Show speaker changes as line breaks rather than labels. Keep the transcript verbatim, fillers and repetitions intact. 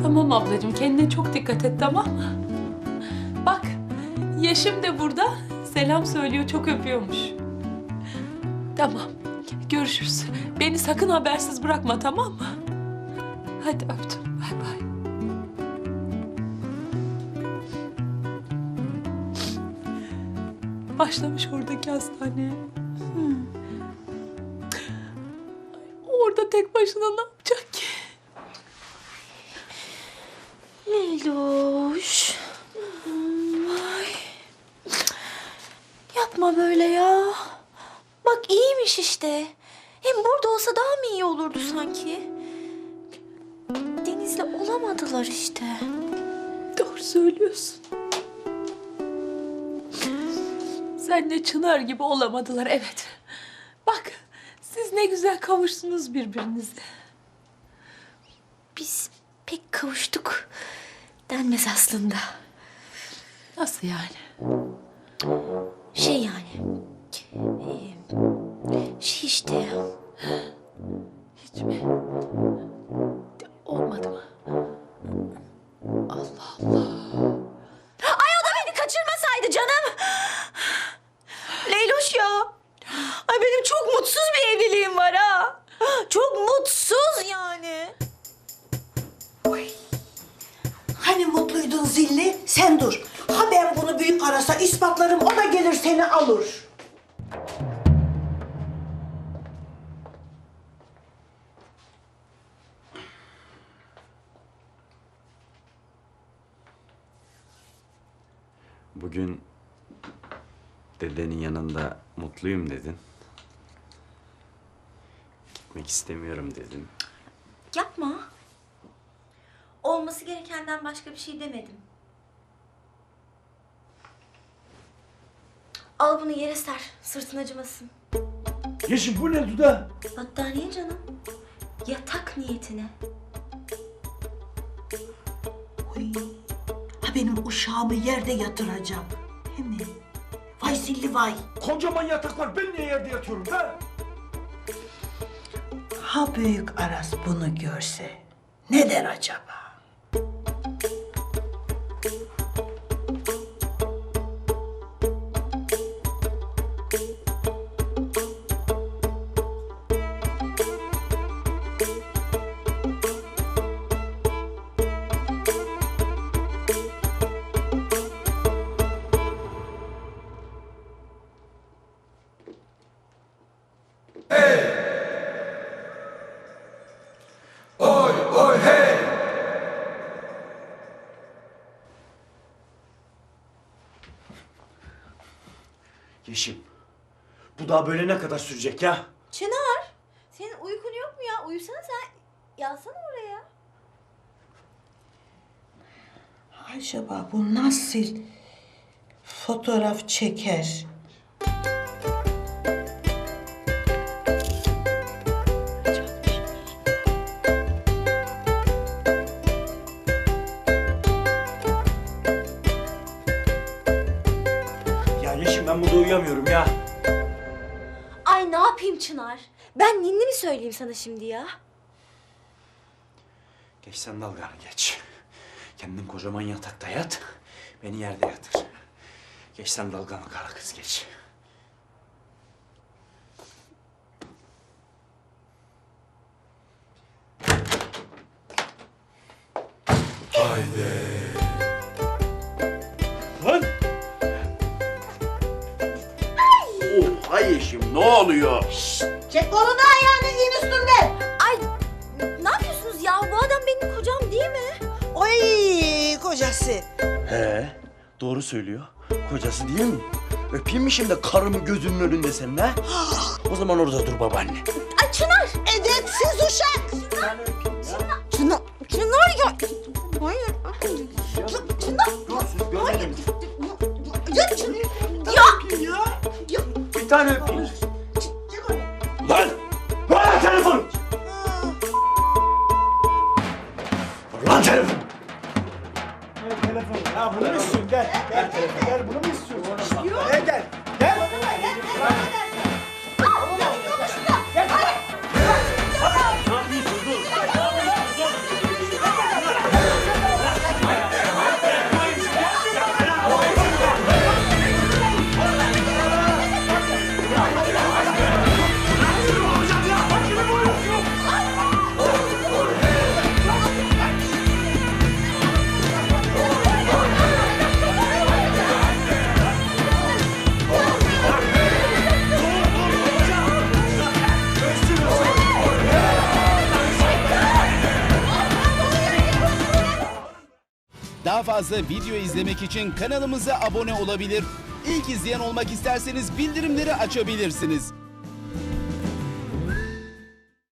Tamam ablacığım, kendine çok dikkat et, tamam mı? Bak, Yeşim de burada. Selam söylüyor, çok öpüyormuş. Tamam, görüşürüz. Beni sakın habersiz bırakma, tamam mı? Hadi öptüm, bay bay. Başlamış oradaki hastaneye. Hmm. Orada tek başına ne yapacak ki?
Leyloş. Ay. Yapma böyle ya. Bak iyiymiş işte. Hem burada olsa daha mı iyi olurdu sanki? Deniz'le olamadılar işte.
Doğru söylüyorsun. Senle Çınar gibi olamadılar, evet. Bak, siz ne güzel kavuştunuz birbirinize.
Biz pek kavuştuk denmez aslında.
Nasıl yani?
Şey yani. e, Şey işte ya.
Hiç mi? Olmadı mı? Allah Allah.
Ay o da beni kaçırmasaydı canım. Leyloş ya. Ay benim çok mutsuz bir evliliğim var ha. Çok mutsuz yani.
Hani mutluydun zilli? Sen dur. Ha ben bunu büyük arasa ispatlarım, o da gelir seni alır.
Bugün dedenin yanında mutluyum dedin. Gitmek istemiyorum dedin.
Yapma. Olması gerekenden başka bir şey demedim. Al bunu yere ser. Sırtın acımasın.
Yeşim bu ne Duda?
Battaniye canım. Yatak niyetine.
Oy. Ha benim uşağımı yerde yatıracağım. Hemen. Vay zilli vay.
Kocaman yatak var, ben niye yerde yatıyorum be?
Ha büyük Aras bunu görse ne der acaba?
Yeşim, bu daha böyle ne kadar sürecek ya?
Çınar. Senin uykun yok mu ya? Uyusana sen. Yatsana oraya.
Acaba bu nasıl fotoğraf çeker?
Ya Yeşim ben burada uyuyamıyorum ya.
Ay ne yapayım Çınar? Ben ninni mi söyleyeyim sana şimdi ya?
Geç sen dalganı geç. Kendin kocaman yatakta yat, beni yerde yatır. Geç sen dalganı kara kız geç. Lan!
Oha Yeşim, ne oluyor?
Çek kolunu ayağını in üstünden.
Ay ne yapıyorsunuz ya? Bu adam benim kocam değil mi?
Oy kocası.
He, doğru söylüyor. Kocası değil mi? Öpeyim mi şimdi karımı gözünün önünde senin ha? O zaman orada dur babaanne.
Ay Çınar!
Edepsiz uşak.
Çınar! Çınar ya! Hayır. Çınar!
Dur siz görmedin.
Ya Çınar! Ya!
Bir tane öpeyim.
Çek onu.
Lan! Ver telefonu! Lan telefonu! Ver telefonu. Ya bunu mu istiyorsun? Gel. Gel telefonu. Gel bunu mu istiyorsun? Gel gel. Gel.
Daha fazla video izlemek için kanalımıza abone olabilir. İlk izleyen olmak isterseniz bildirimleri açabilirsiniz.